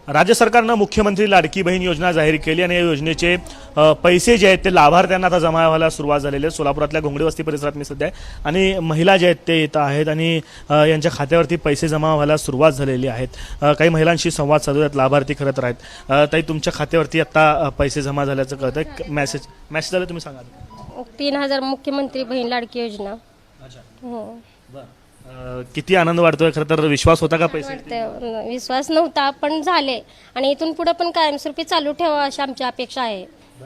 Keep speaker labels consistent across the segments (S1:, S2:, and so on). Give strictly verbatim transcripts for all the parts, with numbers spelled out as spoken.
S1: राज्य सरकारनं मुख्यमंत्री लाडकी बहीण योजना जाहीर केली आणि या योजनेचे पैसे जे आहेत ते लाभार्थ्यांना आता जमा व्हायला सुरुवात झालेली आहे। सोलापुरातल्या घोंगडी वस्ती परिसरात मी सध्या आहे आणि महिला जे आहेत ते येत आहेत आणि यांच्या खात्यावरती पैसे जमा व्हायला सुरुवात झालेली आहेत। काही महिलांशी संवाद साधू आहेत, लाभार्थी खरं तर आहेत। ताई, तुमच्या खात्यावरती आता पैसे जमा झाल्याचं कळतंय, मेसेज मेसेज आलं, तुम्ही सांगा।
S2: तीन हजार मुख्यमंत्री बहीण लाडकी योजना।
S1: अच्छा,
S2: हो,
S1: किती आनंद वाटतोय। खरं तर विश्वास होता का पैसे?
S2: वाटतंय, विश्वास नव्हता पण झाले आणि इथून पुढे पण कायमस्वरूपी चालू ठेवा अशी आमची अपेक्षा आहे।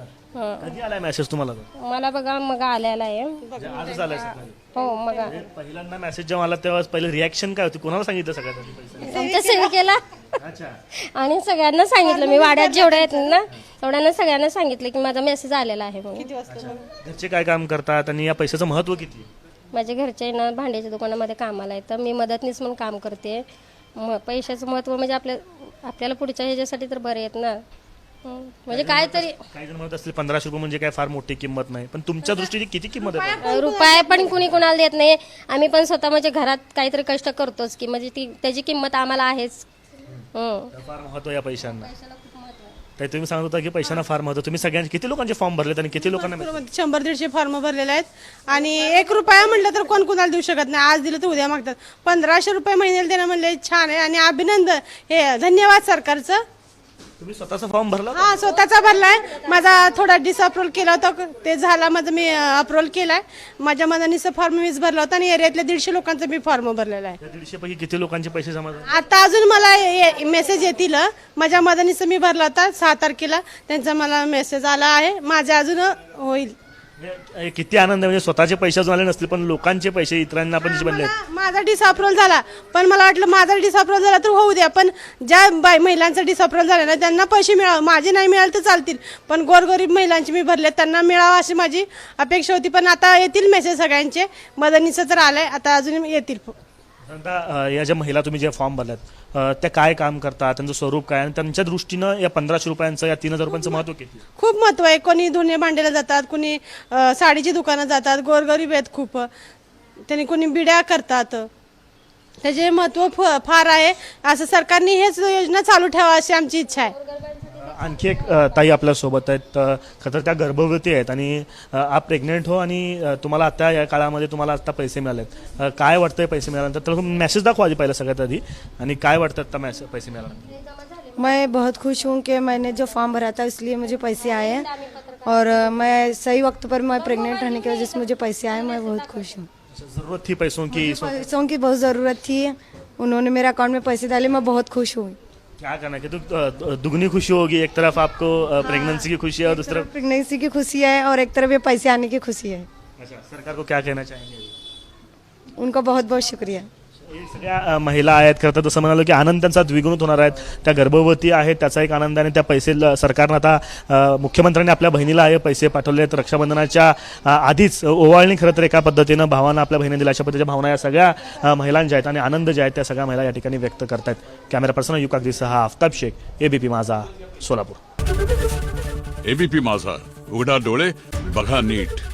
S1: कधी आलाय मेसेज तुम्हाला?
S2: मला बघा मग आलेला आहे।
S1: आजच आलाय सकाळी?
S2: हो, मग
S1: पहिल्यांदा मेसेज जेव्हा आला तेव्हा पहिले रिॲक्शन काय होती? कोणाला सांगितलं सगळ्यात आधी पैसे?
S2: आमच्या सेविकेला
S1: अच्छा,
S2: आणि सगळ्यांना सांगितलं, मी वाड्यात जेवढ्या आहेत ना तेवढ्यांना सगळ्यांना सांगितलं की माझा मेसेज आलेला आहे म्हणून।
S1: घरचे काय काम करतात आणि या पैशाचं महत्व किती?
S2: माझे घरचे ना भांड्याच्या दुकानामध्ये कामाला आहे, तर मी मदतनीस म्हणून काम करते। म पैशाचं महत्व म्हणजे आपल्या आपल्याला पुढच्या ह्याच्यासाठी तर बरे आहेत ना। म्हणजे काय तरी
S1: काही जण म्हणत असतील पंधराशे रुपये म्हणजे काय फार मोठी किंमत नाही, पण तुमच्या दृष्टीने किती किंमत आहे?
S2: रुपये पण कुणी कुणाला देत नाही। आम्ही पण स्वतः म्हणजे घरात काहीतरी कष्ट करतोच की म्हणजे ती त्याची किंमत आम्हाला आहेच।
S1: फार महत्व या पैशांना। ताई, तुम्ही सांगत होता की पैशांना फार महत्व। तुम्ही सगळ्यांचे किती लोकांचे फॉर्म भरलेत आणि किती लोकांना?
S3: शंभर दीडशे फॉर्म भरलेले आहेत आणि एक रुपया म्हटलं तर कोण कुणाला देऊ शकत नाही। आज दिलं तर उद्या मागतात। पंधराशे रुपये महिन्याला देणं म्हणले छान आहे आणि अभिनंदन, हे धन्यवाद सरकारचं।
S1: तुम्ही स्वतःचा फॉर्म भरला?
S3: हा, स्वतःचा भरलाय। माझा थोडा डिसअप्रूव्हल केला होता, ते झाला माझं, मी अप्रूव्हल केलाय। माझ्या मदनीचा फॉर्म मीच भरला होता आणि एरियातल्या दीडशे लोकांचा मी फॉर्म भरलेला आहे।
S1: दीडशे पैकी किती लोकांचे पैसे जमा झाले?
S3: आता अजून मला मेसेज येतील। माझ्या मदनीचा मी भरला होता सहा तारखेला, त्यांचा मला मेसेज आला आहे, माझे अजून होईल।
S1: किती आनंद, म्हणजे स्वतःचे पैसे अजून आले नसतील पण लोकांचे पैसे इतरांना पण बनले।
S3: माझा डिसअप्रूव्हल झाला, पण मला वाटलं माझा डिसअप्रूव्हल झाला तर होऊ द्या, पण ज्या बाय महिलांचा डिसअप्रूव्हल झाला ना त्यांना पैसे मिळावे, माझे नाही मिळाले तर चालतील, पण गोरगरीब महिलांचे मी भरले त्यांना मिळावं अशी माझी अपेक्षा होती। पण आता येतील मेसेज सगळ्यांचे, मदनीचं तर आलंय, आता अजून येतील।
S1: आता या ज्या महिला तुम्ही जे फॉर्म भरल्यात त्या काय काम करतात, त्यांचं स्वरूप काय आणि त्यांच्या दृष्टीनं या पंधराशे रुपयांचं या तीन हजार रुपयांचं महत्व किती?
S3: खूप महत्व आहे। कोणी धुणे भांड्याला जातात, कोणी साडीची दुकानं जातात, गोरगरीब आहेत खूप, त्यांनी कोणी बिड्या करतात, त्याचे महत्व फार आहे। असं सरकारने हेच योजना चालू ठेवा अशी आमची इच्छा आहे।
S1: आणखी एक ताई आपल्या सोबत आहेत, खरं तर त्या गर्भवती आहेत आणि आप प्रेग्नेंट हो आणि तुम्हाला आता या काळामध्ये तुम्हाला आता पैसे मिळालेत, काय वाटतंय पैसे मिळाल्यानंतर? तर मेसेज दाखवा आधी पहिला सगळ्यात आधी, आणि काय वाटतं आता मेसेज पैसे मिळाल्यानंतर?
S4: मैं बहुत खुश हूँ कि मैंने जो फॉर्म भरा था इसलिए मुझे पैसे आए हैं और मैं सही वक्त पर मैं प्रेग्नेंट रहने की वजह से मुझे पैसे आए, मैं बहुत खुश हूँ।
S1: जरूरत थी पैसों की?
S4: पैसों की बहुत ज़रूरत थी, उन्होंने मेरे अकाउंट में पैसे डाले, मैं बहुत खुश हूँ।
S1: क्या करना है कि तो दुगनी खुशी होगी, एक तरफ आपको प्रेगनेंसी की खुशी है और दूसरी तरफ
S4: प्रेगनेंसी की खुशी है और एक तरफ ये पैसे आने की खुशी है।
S1: अच्छा, सरकार को क्या कहना चाहेंगे?
S4: उनका बहुत बहुत शुक्रिया।
S1: सगळ्या महिला आहेत, खरं तर तसं म्हणालो की आनंद त्यांचा द्विगुणित होणार आहेत। त्या गर्भवती आहेत त्याचा एक आनंद, आणि त्या पैसे सरकारनं आता मुख्यमंत्र्यांनी आपल्या बहिणीला हे पैसे पाठवले आहेत रक्षाबंधनाच्या आधीच। ओवाळणी खरं तर एका पद्धतीनं भावानं आपल्या बहिणी दिल्या, अशा पद्धतीच्या भावना या सगळ्या महिलांच्या आहेत आणि आनंद जे आहेत त्या सगळ्या महिला या ठिकाणी व्यक्त करतात। कॅमेरा पर्सन युकाग्रीसह आफताब शेख, एबीपी माझा, सोलापूर।
S5: एबीपी माझा, उघडा डोळे बघा नीट।